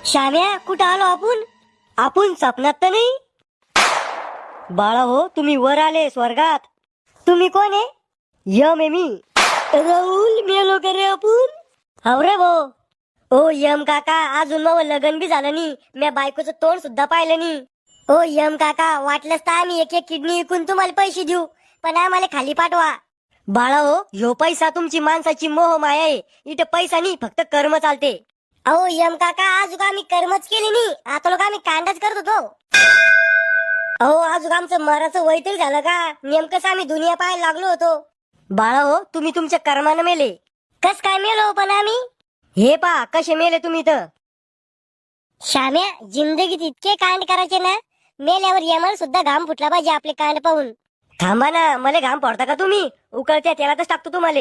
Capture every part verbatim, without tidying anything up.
श्याम्या, कुठं आलो आपण? आपण स्वप्नात तर नाही? बाळा हो, तुम्ही वर आले स्वर्गात. तुम्ही कोण आहे? यम आहे मी. राहुल, मेलो का रे आपण? हो रे भो. ओ यम काका, अजून मग लग्न बी झालं नाही, म्या बायकोचं तोंड सुद्धा पाहिलं नाही. ओ यम काका, वाटलंच तर आम्ही एक एक किडनी विकून तुम्हाला पैसे देऊ, पण आम्हाला खाली पाठवा. बाळा हो, ह्यो पैसा तुमची माणसाची मोह माया आहे. इथं पैसा नाही, फक्त कर्म चालते. अहो यम काका, आज आम्ही कर्मच केली नाही, आता लोक आम्ही कांडाच करत होतो. अहो आज आमचं मराचं वय तरी झालं का? नेमकंच आम्ही दुनिया पाहायला लागलो होतो. बाळा हो, तुम्ही तुमच्या कर्मानं मेले. कस काय मेलो पण आम्ही? हे पा कसे मेले तुम्ही तर. श्याम्या, जिंदगीत इतके कांड करायचे ना, मेल्यावर यमाला सुद्धा घाम फुटला पाहिजे आपले कांड पाहून. थांबा ना, मला घाम पडता का तुम्ही? उकळत्या तेलातच टाकतो तुम्हाला.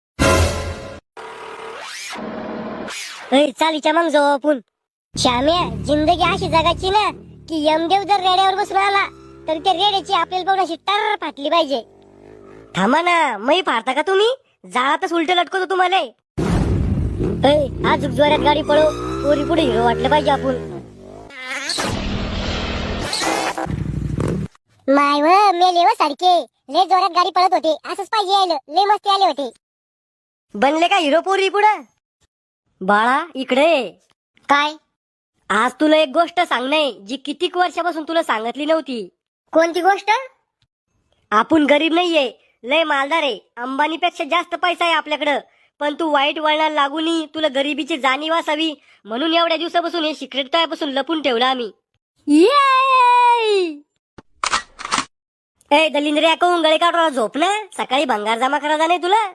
चालीच्या मग जाऊ आपण. श्याम्या, जिंदगी अशी जगाची ना की यमदेव जर रेड्यावर बसून आला तर त्या रेड्याची आपल्याला पाहून अशी टर फाटली पाहिजे. थांबा ना, मै फाडता का तुम्ही? जाळातच उलट लटकवतो तुम्हाला. आज जोरात गाडी पळो, पोरी पुढे हिरो वाटलं पाहिजे आपण. माय व मेले व सारखे लय जोरात गाडी पळत होते, असंच पाहिजे यायला, लय मस्ती आले होते. बनले का हिरो पोरी पुढे? बाळा इकडे. काय? आज तुला एक गोष्ट सांगणे जी कितीक वर्षापासून तुला सांगितली नव्हती. कोणती गोष्ट? आपण गरीब नाहीये, लय मालदार आहे. अंबानीपेक्षा जास्त पैसा आहे आपल्याकडं, पण तू वाईट वळणाला लागूनही तुला गरिबीची जाणीव असावी म्हणून एवढ्या दिवसापासून हे सिक्रेट तयापासून लपून ठेवलं आम्ही. ए दलिंद्र, या कहून गळे काढून झोप ना, सकाळी भंगार जमा करायचा नाही तुला.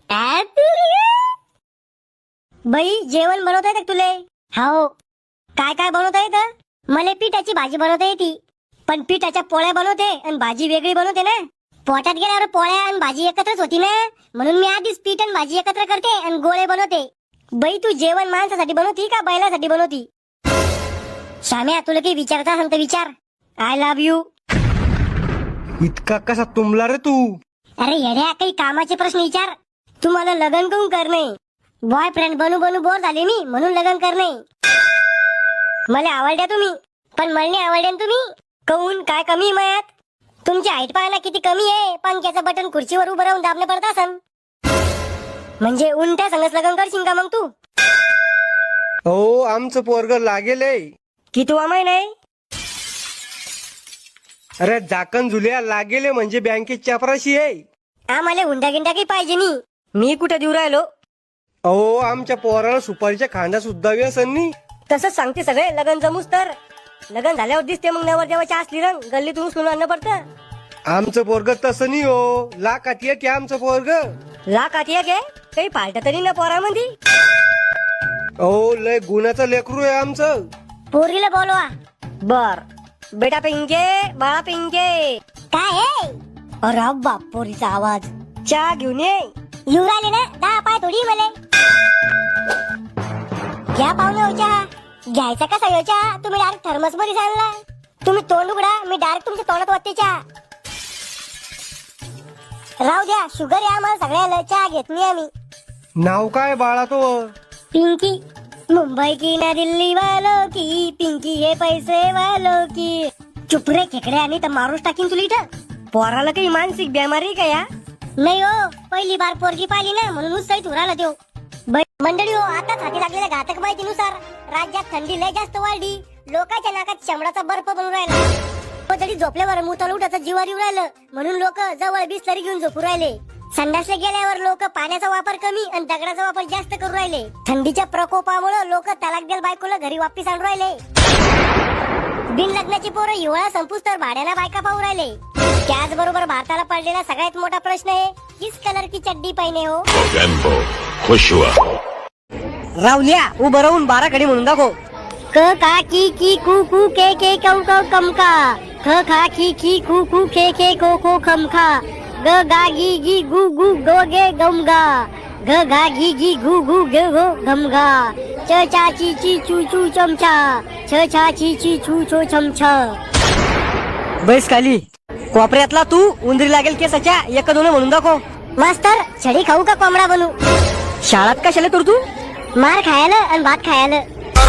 बाई, जेवण बनवता येतं तुले? हो. काय काय बनवता येतं? मला पिठाची भाजी बनवता येते, पण पिठाच्या पोळ्या बनवते आणि भाजी वेगळी बनवते ना. पोटात गेल्यावर पोळ्या आणि भाजी एकत्रच होती ना, म्हणून मी आधीच पीठ आणि भाजी एकत्र करते आणि गोळे बनवते. बाई, तू जेवण माणसासाठी बनवती का बैलासाठी बनवती? श्याम्या, तुला काही विचारता सांगते विचार. I love you. इतका कसा तुंबला रे तू? अरे येड्या, काही कामाचे प्रश्न विचार. तुम्हाला लग्न करून करणे? बॉयफ्रेंड बनू बनू बोर झाले मी, म्हणून लग्न करणे. मला आवडल्या तुम्ही, पण मला आवडल्या तुम्ही. कहून काय कमी मयात? तुमची हाईट पाहायला किती कमी आहे. पंख्याचं बटन खुर्चीवर उभं राहून दाबलं पडत असन. म्हणजे उलट्या संगच लग्न करशील का मग तू? हो, आमचं पोरग लागेल. किती महिना आहे? अरे झाकण झुल्या लागेले म्हणजे बँकेत चपराशी आहे. आम्हाला हुंडा गिंडा काही पाहिजे नाही. मी कुठे देऊ राहिलो? अहो, आमच्या पोराला सुपारीच्या खांदा सुद्धा व्यसन नाही. तसंच सांगते सगळे. लग्न जमूस तर लग्न झाल्यावर दिसते मग नवर देवाच्या असली रंग गल्लीतून उचलून आणणं पडतं. आमचं पोरग तसं नाही हो. लाखात एक आहे आमचं पोरग. लाखात एक आहे? काही फालत तरी ना पोरामध्ये. अहो, लय गुणाचं लेकरू आहे आमचं. पोरीला बोलवा. बर बेटा पिंके, बाळा पिंके. काय आहे? अरे बाप, पोरीचा आवाज. चहा घेऊन ये. येऊ राहिले ना, दहा पाय थोडी मला. घ्या पाहुणे हो चहा. घ्यायचा कसा हो चहा? तुम्ही डायरेक्ट थर्मस मध्ये सांगला. तुम्ही तोंड उघडा, मी डायरेक्ट तुमच्या तोंडात वाटते चहा. राहू द्या, शुगर आहे आम्हाला सगळ्याला, चहा घेत नाही आम्ही. नाव काय बाळा तो? पिंकी. मुंबई की ना दिल्ली वालों की, पिंकी हे पैसे वालों की. चुप रे खेकडे, आणि तर मारूच टाकीन तुला इथं. पोराला काही मानसिक बिमारी का या? नाही हो, पहिली बार पोरगी पाहिली ना, म्हणून उत्साहित उराला देऊ. मंडळी हो, आता हाती लागलेल्या घातक माहितीनुसार राज्यात थंडी लय जास्त वाढली. लोकांच्या नाकात शंभराचा बर्फ बनून राहिला. तरी झोपल्यावर मुताल उठाचा जीवार येऊ राहिलं, म्हणून लोक जवळ बिस्लरी घेऊन झोपू राहिले. संडासला गेल्यावर लोक पाण्याचा वापर कमी आणि दगडाचा वापर जास्त करू राहिले. थंडीच्या प्रकोपामुळे लोक तलाक द्याल बायकोला घरी वापिस आणून राहिले. बिन लग्नाची पोरं हिवाळा संपूस तर भाड्याला बायका पाहू राहिले. त्याचबरोबर भारताला पडलेला सगळ्यात मोठा प्रश्न आहे, किस कलर की चड्डी पहिने हो. खुश हुआ. रावल्या, उभं राहून बारा कडे म्हणून दाखव. क का की की कू कू के के कौ कौ कम का. ख खा की की कू कू के के को को खम खा. ग गा गी गी गु गु गो गे गम गा. घ घा गी गी गु गु गे गो घम गा. च चा ची ची चू चू चमचा. छ छा ची ची छू छो छमछा. बैस खाली. कोपऱ्यातला तू उंदरी लागेल केसाच्या एक दोन म्हणून दाखव. मास्तर, छडी खाऊ का कोंबडा बनू? शाळात कशाला तर तू? मार खायला आणि भात खायला.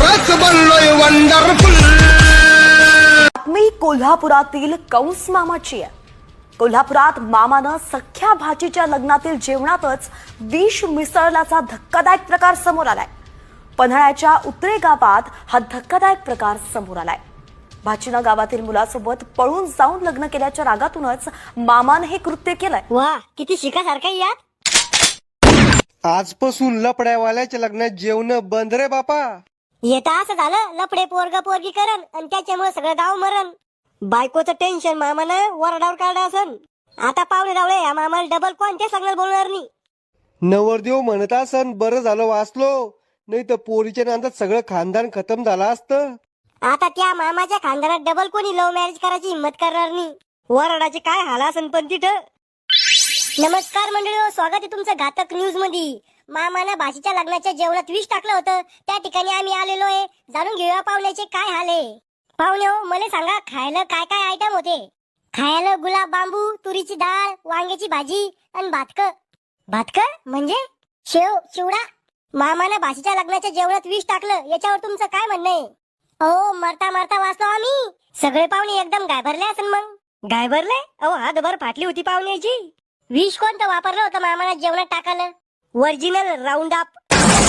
खरंच बनलोय वंडरफुल. बातमी कोल्हापुरातील कंस मामाची आहे. कोल्हापुरात मामानं सख्या भाचीच्या लग्नातील जेवणातच विष मिसळल्याचा धक्कादायक प्रकार समोर आलाय. पन्हाळ्याच्या उतरे गावात हा धक्कादायक प्रकार समोर आलाय. भाचीनं गावातील मुलासोबत पळून जाऊन लग्न केल्याच्या रागातूनच मामानं हे कृत्य केलंय. वा किती शिकासारखं आहे यात. आजपासून लपड्यावाल्याच्या लग्नात जेवण बंद रे बापा. येता असं झालं लफडे पोरग पोरगी करण आणि त्याच्यामुळे सगळं गाव मरण. बायकोचं टेन्शन मामानं वरडावर काढलं असन. आता पावले रावळे या मामाला डबल कोणत्या सांगणार बोलणार नाही. नवरदेव म्हणत असन बरं झालं वाचलो, नाही तर पोरीच्या नांदात सगळं खानदान खतम झालं असतं. आता त्या मामाच्या खानदानात डबल कोणी लव्ह मॅरेज करायची हिंमत करणार नाही. वरडाचे काय हाल असन पण तिथं. नमस्कार मंडळी, स्वागत आहे तुमचं घातक न्यूज मध्ये. मामानं भाषेच्या लग्नाच्या जेवणात विष टाकलं होतं, त्या ठिकाणी आम्ही आलेलो आहे. जाणून घेऊया पाहुण्याचे काय हाल आहे. पाहुणे हो, मला सांगा खायला काय काय आयटम होते. खायला गुलाब बांबू, तुरीची डाळ, वांग्याची भाजी आणि भातक. भातक म्हणजे शेव चिवडा. मामानं भाषेच्या लग्नाच्या जेवणात विष टाकलं, याच्यावर तुमचं काय म्हणणं आहे. अहो मरता मरता वाचलो आम्ही. सगळे पाहुणे एकदम गायभरले असेल. मग गायभरले? अहो हातभर फाटली होती पाहुण्याची. विष कोणतं वापरलं होतं मामानं जेवणात टाकायला? Original round up.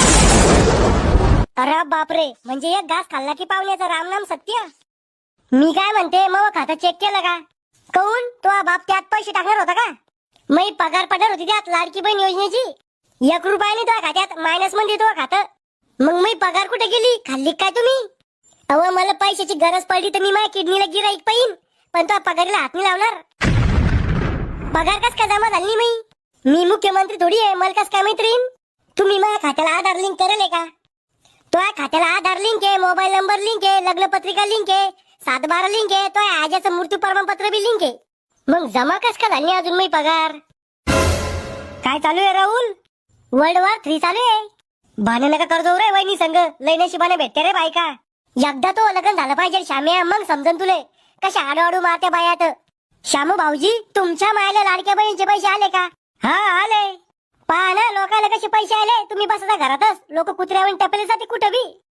अरे बापरे, म्हणजे एक घास खाल्ला की पाहुण्याचं रामनाम सत्य. मी काय म्हणते, मग खातं चेक केलं का? कहून तो बाप त्यात पैसे टाकणार होता का? मी पगार पडणार होती त्यात लाडकी बहीण योजनेची. एक रुपयाने तो खात्यात मायनस मध्ये तो खातं. मग मी पगार कुठे गेली, खाल्ली काय तुम्ही? अहो मला पैशाची गरज पडली तर मी माझ्या किडनीला गिराईक पाहिन, पण तो पगारीला हात नाही लावणार. पगार कस काय जमा झाली मी? मी मुख्यमंत्री थोडी आहे, मला कस काय मैत्रीण? तुम्ही माझ्या खात्याला आधार लिंक करेल का? तो खात्याला आधार लिंक आहे, मोबाईल नंबर लिंक आहे, लग्न पत्रिका लिंक आहे, सात बारा लिंक आहे, तो आजाचं मृत्यू प्रमाणपत्र बी लिंक आहे. मग जमा कस का झाली अजून मी पगार? काय चालू आहे राहुल? वर्ल्ड वॉर थ्री चालू आहे. भाने नका कर्जो रे वहिनी संघ, लय नशिबाने भेटते रे बायका. एकदा तो लग्न झालं पाहिजे श्याम्या, मग समजन तुले कशा आडू मारत्या बायात. श्यामू भाऊजी, तुमच्या मायला लाडक्या बहिणीचे पैसे आले का? हा आले. पहा ना लोकांना कसे पैसे आले. तुम्ही बसता घरातच, लोक कुत्र्यावर टपले जाते कुठं बी.